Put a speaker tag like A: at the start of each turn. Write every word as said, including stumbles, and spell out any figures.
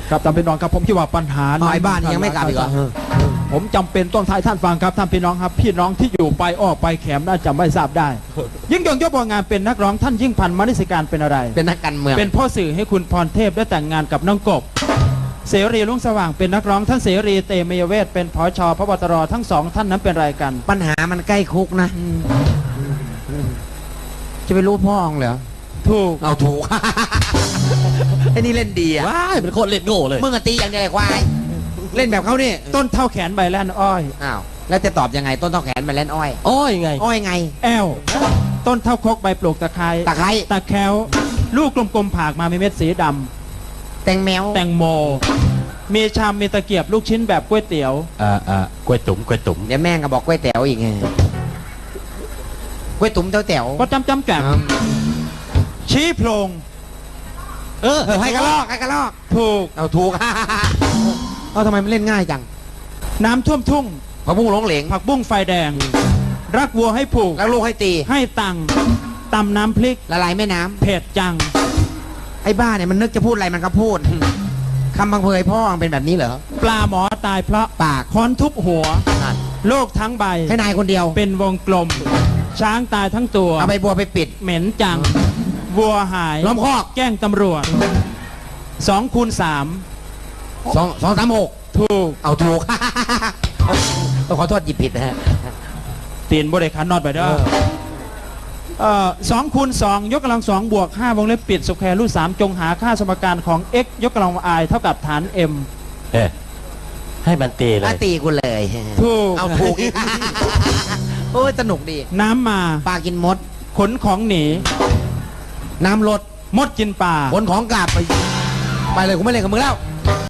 A: ครับท่านพี่น้องครับผมคิดว่าปัญหา
B: ไอ้บ้านยังไม่กลับอีกเหรอ
A: ผมจำเป็นต้องทายท่านฟังครับท่านพี่น้องครับพี่น้องที่อยู่ไปออกไปแขมน่าจะไม่ทราบได้ยิ่งยงยศบัวงามเป็นนักร้องท่านยิ่งพันธ์มณิสการเป็นอะไร
B: เป็นนักการเมือง
A: เป็นพ่อสื่อให้คุณพรเทพได้แต่งงานกับน้องกบเสรีรุ่งสว่างเป็นนักร้องท่านเสรีเตมียเวทเป็นผช.พบตรทั้งสองท่านนั้นเป็นอะไรกัน
B: ปัญหามันใกล้คุกนะจะไปรู้พ่อเหรอ
A: ถูก
B: เอาถูกไอ้นี่เล่นดีอ่ะ
C: ว้ายเป็นคนเล่นโง่เลย
B: มึงตีอย่างเดียวไอ้ควายเล่นแบบเขานี่
A: ต้นเท่าแขนใบแล่นอ้อย
B: อ้าวแล้วจะตอบยังไงต้นเท่าแขนใบแล่นอ้อย
C: อ้อยไง
B: อ้อยไง
A: แอลต้นเท่าคกใบปลูกตะไคร้
B: ตะไคร้
A: ตะแควลูกกลมๆผากมามีเม็ดสีดำ
B: แตงแมว
A: แตงโมมีชามมีตะเกียบลูกชิ้นแบบก๋วยเตี๋ยว
C: อ่าอ่ากล้วยตุ๋มกล้วยตุ๋ม
B: เดี๋ยวแม่งก็บอกกล้วยแต๋วอีกไงกล้วยตุ๋มเต้าแต๋ว
A: ก็จำจำแจ่มชี้โพรง
B: เออให้กระลอกให้กระลอก
A: ถูก
B: เอาถูกเอาทำไมมันเล่นง่ายจัง
A: น้ำท่วมทุ่ง
B: ผักบุ้งหลงเหลง
A: ผักบุ้งไฟแดงรักวัวให้ผูก
B: รักลูกให้ตี
A: ให้ตังตำน้ำพริก
B: ละลายแม่น้ำ
A: เผ็ดจัง
B: ไอ้บ้าเนี่ยมันนึกจะพูดอะไรมันก็พูดคำบังเพยพ่อมันเป็นแบบนี้เหรอ
A: ปลาหมอตายเพราะ
B: ปาก
A: ค้อนทุบหัวโลกทั้งใบ
B: ให้นายคนเดียว
A: เป็นวงกลมช้างตายทั้งตัว
B: เอาใบบัวไปปิด
A: เหม็นจังวัวหาย
B: ล้อมคอก
A: แกล้งตำรวจสองคูณสาม
B: สองสองสามหก
A: ถูก
B: เอาถูกต้องขอโทษหยิบผิดนะฮะ
A: ตีนบริการนอดไปเด้อเอ่อสองคูณสองยกกำลังสองบวกห้าวงเล็บปิดสแควร์รูทสามจงหาค่าสมการของ x ยกกำลัง i เท่ากับฐาน m
C: เอ๊ะให้มันตีเลย
B: ตีกูเลย
A: ถูก
B: เอาถูกอีกโอ้ยสนุกดี
A: น้ำมา
B: ปลากินมด
A: ขนของหนี
B: น้ำลด
A: มดกินปลา
B: ขนของกลับไปไปเลยกูไม่เล่นกับมึงแล้ว